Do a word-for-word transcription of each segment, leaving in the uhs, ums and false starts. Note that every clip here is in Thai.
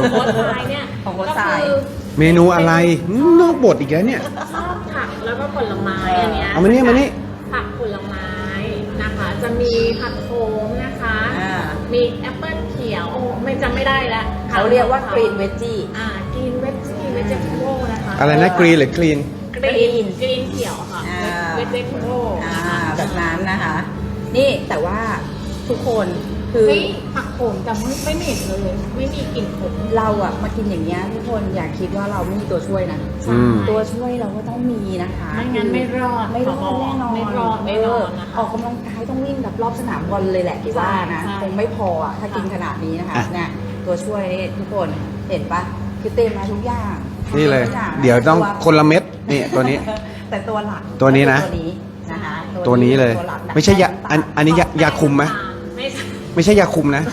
โค้ชทรายเนี่ยของโค้ชก็ทรายคือเมนูอะไรอืมนอกบทอีกแล้วเนี่ยชอบผักแล้วก็ผลไม้อันเนี้ยเอามานี่มานี่ผักผลไม้นะคะ จะมีผักโขมนะคะอ่ามีแอปเปิ้ลเขียวไม่จำไม่ได้แล้วเขาเรียกว่ากรีนเวจจี้อ่ากรีนเวจจี้เวจเจคิโนะคะอะไรนะกรีนหรือคลีนกรีนกรีนเขียวค่ะอ่าเวจเจคิโอ่าแบบนั้นนะคะ นี่แต่ว่าทุกคนคือเฮ้ยผักโขมแต่ไม่ไม่เหม็นเลย ไม่มีกลิ่นขมเราอะมากินอย่างเงี้ยทุกคนอย่าคิดว่าเราไม่มีตัวช่วยนะอืมตัวช่วยเราก็ต้องมีนะคะไม่งั้นไม่รอดไม่รอดแน่นอนไม่รอดแน่นอนนะคะเออกำลังกายต้องวิ่งแบบรอบสนามบอลเลยแหละที่ว่านะใช่คงไม่พออะถ้ากินขนาดนี้นะคะอ่ะเนี่ยตัวช่วยนี่ทุกคนเห็นปะคือเต็มมาทุกอย่างนี่เลยทุกางเดี๋ยวต้องแต่คนละเม็ดนี่ตัวนี้แต่ตัวหลักตัวนี้นะตัวนี้นะคะตัวนี้เลยตัวหกนะไม่ใช่ยาอันอันนี้ยายาคุมไหมไม่ใช่ไม่ใช่ยาคุมนะ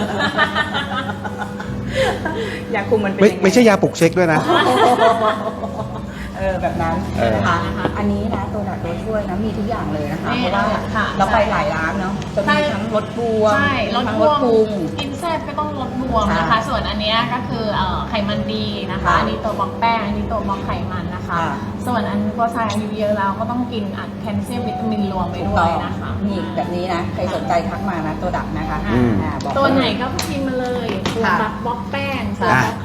ยาคุมมันเป็นไม่ยังงไม่ใช่ยาปลุกเช็คด้วยนะเออแบบนั้นเออนะคะอันนี้นะตัวหลักตัวช่วยนะมีทุกอย่างเลยนะคะนี่เพราะว่าค่ะเราไปหลายร้านเนาะจะใช่มีทั้งรสบวมใช่ลดทั้งบรวสมปรุงกินแซ่บก็ต้องลดบวมนะคะค่ะส่วนอันเนี้ยก็คือเอ่อไขมันดีนะคะค่ะอันนี้ตัวบล็อกแป้ง อันนี้ตัวบล็อกไขมันนะคะค่ะส่วนอันตัวทรายอายุเยอะแล้วก็ต้องกินอัดแคลเซียมวิตามินรวมไปด้วยนะคะนี่แบบนี้นะใครสนใจทักมานะตัวดักนะคะอืมอ่าบอกตัวไหนก็กินมาเลย ตัวค่ะบล็อกแป้งตัวอ่ะบล็อก